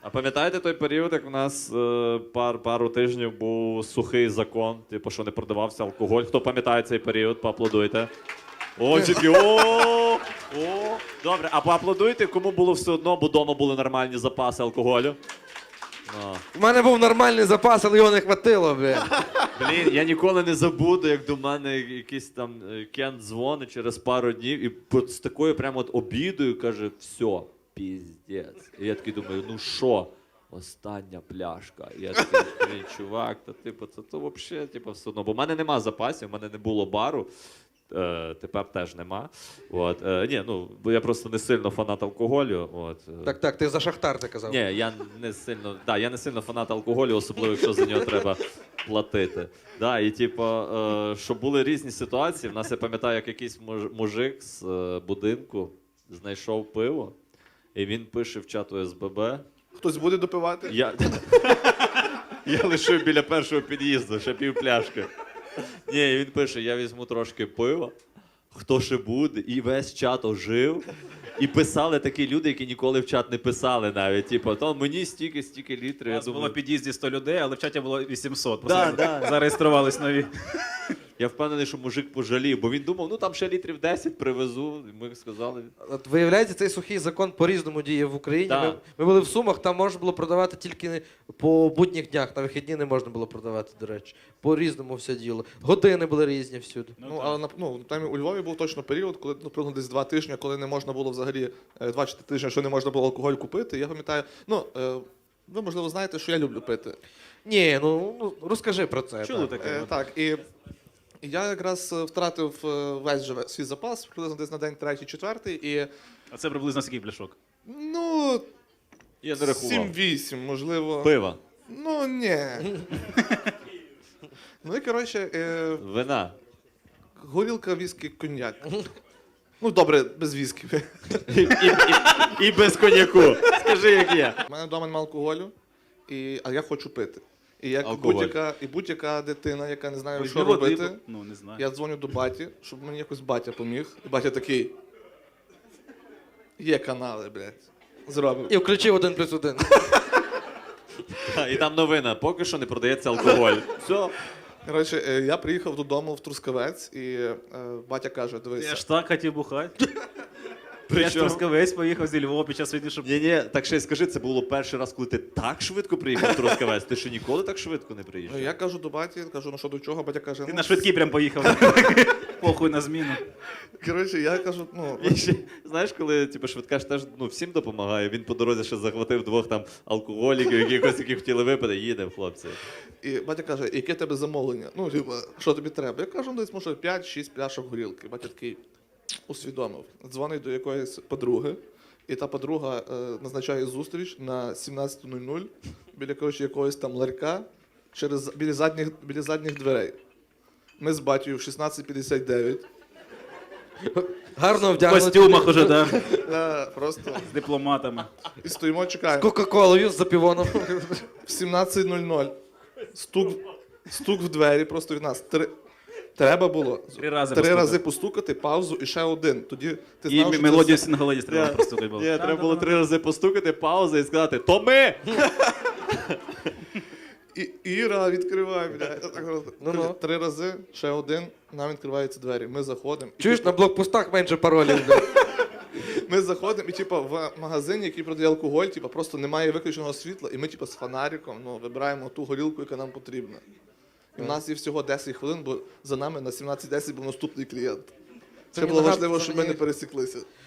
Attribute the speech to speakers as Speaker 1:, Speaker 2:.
Speaker 1: А пам'ятаєте той період, як в нас пару тижнів був сухий закон, типу, що не продавався алкоголь? Хто пам'ятає цей період, поаплодуйте. О, тільки о. Добре, а поаплодуйте, кому було все одно, бо вдома були нормальні запаси алкоголю.
Speaker 2: У мене був нормальний запас, але його не хватило, блін.
Speaker 1: Блін, я ніколи не забуду, як до мене якийсь там Кент дзвонить через пару днів і з такою прямо от обідою каже, все, піздець. І я такий думаю, ну що? Остання пляшка. І я такий, блін, чувак, та типу, це то взагалі, типу, все одно. Бо в мене нема запасів, в мене не було бару. Тепер теж нема. От. Ні, ну, бо я просто не сильно фанат алкоголю. От.
Speaker 2: Так, ти за Шахтар ти казав.
Speaker 1: Ні, я не сильно фанат алкоголю, особливо, якщо за нього треба платити. Да, і типу, що були різні ситуації. В нас, я пам'ятаю, як якийсь мужик з будинку знайшов пиво, і він пише в чат ОСББ.
Speaker 3: Хтось буде допивати?
Speaker 1: Я лишив біля першого під'їзду, ще пів пляшки. Ні, він пише, я візьму трошки пива, хто ще буде, і весь чат ожив. І писали такі люди, які ніколи в чат не писали навіть. Типу, то мені стільки літрів.
Speaker 4: У нас
Speaker 1: Я
Speaker 4: було в під'їзді 100 людей, але в чаті було 800.
Speaker 1: Да.
Speaker 4: Зареєструвались нові.
Speaker 1: Я впевнений, що мужик пожалів, бо він думав, ну там ще літрів 10 привезу. І ми сказали.
Speaker 2: От виявляється, цей сухий закон по-різному діє в Україні.
Speaker 1: Да.
Speaker 2: Ми були в Сумах, там можна було продавати тільки по будніх днях, на вихідні не можна було продавати, до речі. По-різному все діло. Години були різні всюди.
Speaker 3: Але там у Львові був точно період, коли наприклад, десь 2 тижні, коли не можна було взагалі 2 чи 3 тижні, що не можна було алкоголь купити. Я пам'ятаю, ви можливо знаєте, що я люблю пити.
Speaker 2: Ні, ну розкажи про це.
Speaker 4: Чули
Speaker 2: так.
Speaker 4: таке?
Speaker 3: Так, і я якраз втратив весь же свій запас, приблизно десь на день 3-4, і
Speaker 4: А це приблизно скільки пляшок?
Speaker 3: ну,
Speaker 1: Я не рахував.
Speaker 3: 7-8, можливо.
Speaker 1: Пива.
Speaker 3: Ну, ні. Ну і коротше,
Speaker 1: Вина.
Speaker 3: горілка, віскі, коньяк. Ну, добре, без віскі.
Speaker 1: І без коньяку. Скажи, як є.
Speaker 3: У мене вдома немає алкоголю, а я хочу пити. І як
Speaker 1: Алкоголь.
Speaker 3: будь-яка дитина, яка не знає, що
Speaker 4: Візьми води,
Speaker 3: робити,
Speaker 4: ну, не знаю.
Speaker 3: я дзвоню до баті, щоб мені якось батя поміг. І батя такий. Є канали, блядь. Зробив.
Speaker 2: І включив 1+1.
Speaker 1: І там новина, поки що не продається алкоголь. Все.
Speaker 3: Коротше, я приїхав додому в Трускавець, і батя каже,
Speaker 4: Я
Speaker 3: дивися.
Speaker 4: ж так хотів бухати. Я ж Трускавець поїхав зі Львова під час війни, щоб...
Speaker 1: Ні, так ще й скажи, це було перший раз, коли ти так швидко приїхав в Трускавець. Ти ще ніколи так швидко не приїжджав?
Speaker 3: Я кажу до баті, кажу, ну що до чого, батя каже,
Speaker 4: Ти
Speaker 3: ну,
Speaker 4: на швидкій прям поїхав. Похуй на зміну.
Speaker 3: коротше, я кажу,
Speaker 1: І ще, знаєш, коли типу, швидка ж теж всім допомагає, він по дорозі ще захватив 2 там алкоголіків, які хотіли випити, їдемо, хлопці.
Speaker 3: і батя каже, яке тебе замовлення? Ну, типу, що тобі треба? Я кажу, десь може 5-6 пляшок горілки. Батя такий усвідомив. Дзвонить до якоїсь подруги, і та подруга назначає зустріч на 17:00 біля якогось там ларька біля задніх дверей. Ми з батькою в 16:59.
Speaker 2: Гарно
Speaker 4: В
Speaker 2: вдягнути.
Speaker 4: костюмах уже, так.
Speaker 3: Просто
Speaker 4: З дипломатами.
Speaker 3: і стоїмо, чекаємо.
Speaker 2: Кока-колою з запівоном.
Speaker 3: В 17:00 стук в двері просто від нас. Треба було
Speaker 4: 3 рази
Speaker 3: три
Speaker 4: постукати.
Speaker 3: рази постукати, паузу і ще один. Тоді ти
Speaker 4: І
Speaker 3: знав, що це
Speaker 4: мелодію
Speaker 3: все.
Speaker 4: Сінгаледі треба простукати було.
Speaker 1: Ні, треба було 3 рази постукати, пауза і сказати «То ми!»
Speaker 3: І Іра відкриває, блядь.
Speaker 2: Ну-ну.
Speaker 3: 3 рази, ще один, нам відкриваються двері. Ми заходимо. І,
Speaker 2: Чуєш, на блокпостах менше паролів.
Speaker 3: ми заходимо, і типу, в магазині, який продає алкоголь, типу, просто немає виключеного світла, і ми типу, з фонариком вибираємо ту горілку, яка нам потрібна. І в нас є всього 10 хвилин, бо за нами на 17:10 був наступний клієнт. Це
Speaker 2: мені
Speaker 3: було
Speaker 2: нагадує,
Speaker 3: важливо,
Speaker 2: що
Speaker 3: щоб ми
Speaker 2: мені-
Speaker 3: не пересіклися.